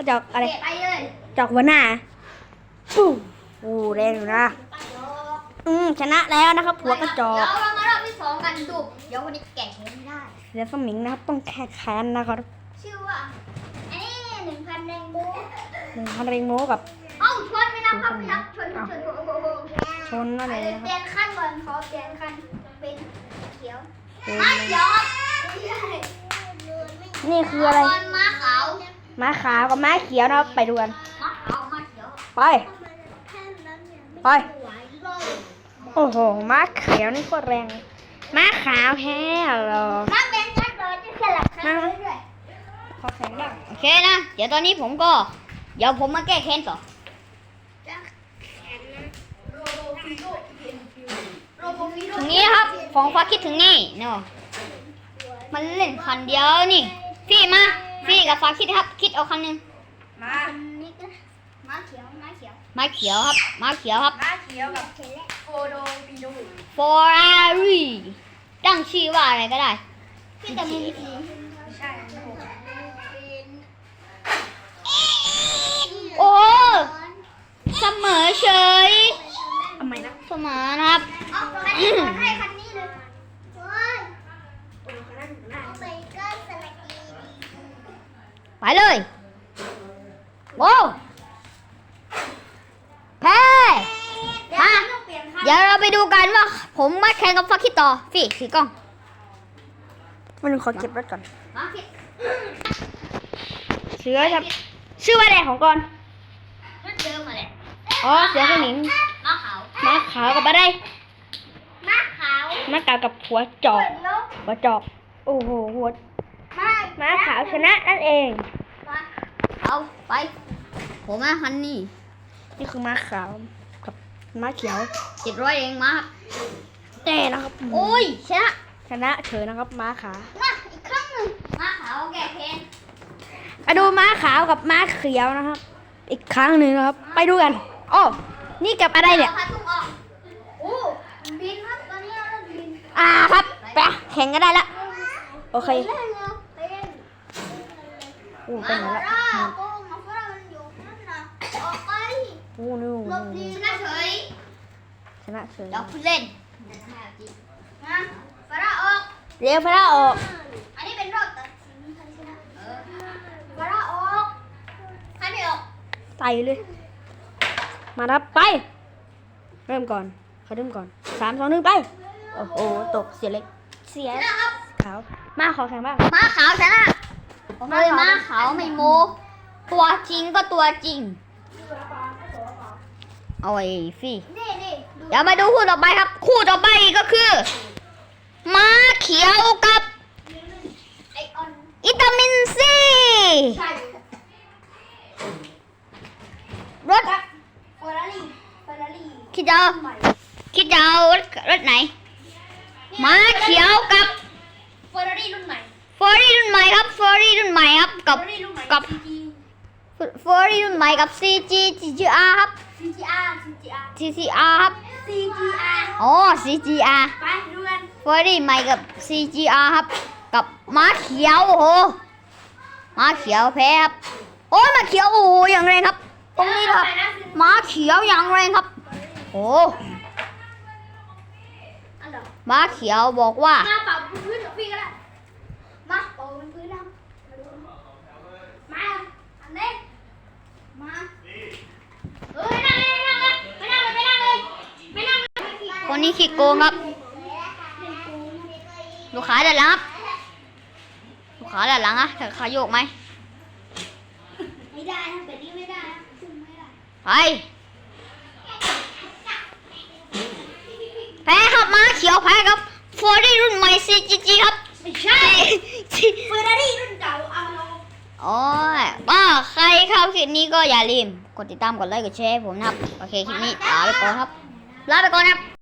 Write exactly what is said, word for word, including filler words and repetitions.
จอกอะไรเตะไปเลยจอกหัวหน้าปู้โอ้แรงอยู่นะอืมชนะแล้วนะครับหัวกระจอกเดี๋ยวเรามารอบที่สองกันดูเดี๋ยววันนี้แกะเกมไม่ได้เสือสมิงนะครับต้องแค่แค้นนะครับชื่อว่าอันนี้หนึ่งพันแรงโบหนึ่งพันเรงโมกับเอ้าชนไม่นับครับไม่นับชนชนชนโอ้โหชนนั่นไปเองเลยนะคเปลี่รับยนขั้นก่อนขอเปลี่ยนขั้นเป็นเขียวเป็นม้าเขียวครับนี่คืออะไรตอนม้าขาวม้าขาวกับม้าเขียวนะครับไปดูกันม้าขาวม้าเขียวไปไปโอ้โหม้าเขียวนี่โคตรแรงม้าขาวแพ้เหรอม้าเป็นชัดเลยจะสลับขั้นเรื่อยขอแข่งบ้างโอเคนะเดี๋ยวตอนนี้ผมก็เดี๋ยวผมมาแก้แค้นต่อถึงนี้ครับของฟ้าคิดถึงนี่เนาะมันเล่นคันเดียวนี่พี่มาพี่กับฟ้าคิดครับคิดเอาคันหนึงม้าม้าเขียวม้าเขียวม้าเขียวครับม้าเขียวครับม้าเขียวกับโฟโดปีโด Ferrari ตั้งชื่อว่าอะไรก็ได้พี่แต่มีวิธีใช่โอ้เสมอเฉยทำไมนะเสมอนะครับให้คันนี้เลยไปเลยโว้แพ้มาเดี๋ยวเราไปดูกันว่าผมมาแข่งกับฟักคิดต่อฟี่ถือกล้องมันขอเก็บรถก่อนมาคิดเสือครับชื่อว่าอะไรของก่อนชุดเดิมมาเลยอ๋อเสือสมิงม้าขาวม้าขาวกับอะไรม้าขาวม้าขาวกับหัวจอกหัวจอกโอ้โหหัวม้าม้าขาวชนะนั่นเองเอาไปผมมาคันนี้นี่คือม้าขาวกับม้าเขียวเจ็ดร้อยเองมาแต่นะครับโอ้ยชนะชนะเฉยนะครับม้าขาวมาอีกครั้งหนึ่งม้าขาวแก่เพนอะดูม้าขาวกับม้าเขียวนะครับ อีกครั้งหนึ่งนะครับ ไปดูกันอ้อนี่กับอะไรเนี่ยพาทุ่งออกโอ้บินครับตอนนี้เราเริ่มบินอ่าครับไปแข่งกันได้ละโอเคเล่นเร็วเล่นโอ้ไปไหนละมาโกงมาฝรั่งมันอยู่นั่นนะออกไปโอ้นู่นหลบดีชนะเฉยชนะเฉยเราพูดเล่นนะฝรั่งออกเรียวพระออกอันนี้เป็นรอบตัดสินใครชนะเออฝรั่งออกใครไม่ออกไต่เลย มาครับไป เริ่มก่อนเขาเริ่มก่อนสามสองหนึ่งไปโอ้โหตกเสียเล็กเสียชนะครับขาวมาขอแข่งบ้างม้าขาวชนะเลยม้าขาวไม่โมตัวจริงก็ตัวจริงเอาไอ้ฟี่เดี๋ยวมาดูคู่ต่อไปครับ คู่ต่อไปก็คือม้าเขียวกับอิตามินซีรถคิดจะเอาคิดจะเอารถรถไหนม้าเขียวกับเฟอร์รารี่รุ่นใหม่ฟอร์รี่รุ่นใหม่ครับฟอร์รี่รุ่นใหม่ครับกับเฟอร์รารี่รุ่นใหม่กับซีจีฟอร์รี่รุ่นใหม่กับ ซี จี จี จี อาร์ ครับซีจีอาร์ซีจีอาร์ซี ซี อาร์ ครับซีจีอาร์อ๋อ ซี จี อาร์ไปดูกันฟอร์รี่ใหม่กับ ซี จี อาร์ ครับกับม้าเขียวโอ้โหม้าเขียวแพ้ครับโอ้ยม้าเขียวโอ้โหอย่างแรงครับตรงนี้ครับม้าเขียวอย่างแรงครับโอ้อันเดียวม้าเขียวบอกว่ามาเป่าพื้นกับพี่ก็ได้มาเป่าพื้นนะมาอันนี้มาเออไม่นั่งเลยไม่นั่งเลยไม่นั่งเลยไม่นั่งเลยไม่นั่งเลยคนนี้ขี้โกงครับลูกค้าด้านหลังครับลูกค้าด้านหลังอะเธอขาโยกไหมไม่ได้นะแบบนี้ไม่ได้นะซึ่งไม่ได้ไปแพ้ครับม้าเขียวแพ้ครับฟอร์รี่รุ่นใหม่ ซี จี จี ครับไม่ใช่เฟอร์รารี่รุ่นเก่าเอาลงโอ้ยว่าใครเข้าคลิปนี้ก็อย่าลืมกดติดตามกดไลค์กดแชร์ให้ผมนะครับโอเคคลิปนี้ลาไปก่อนครับลาไปก่อนครับ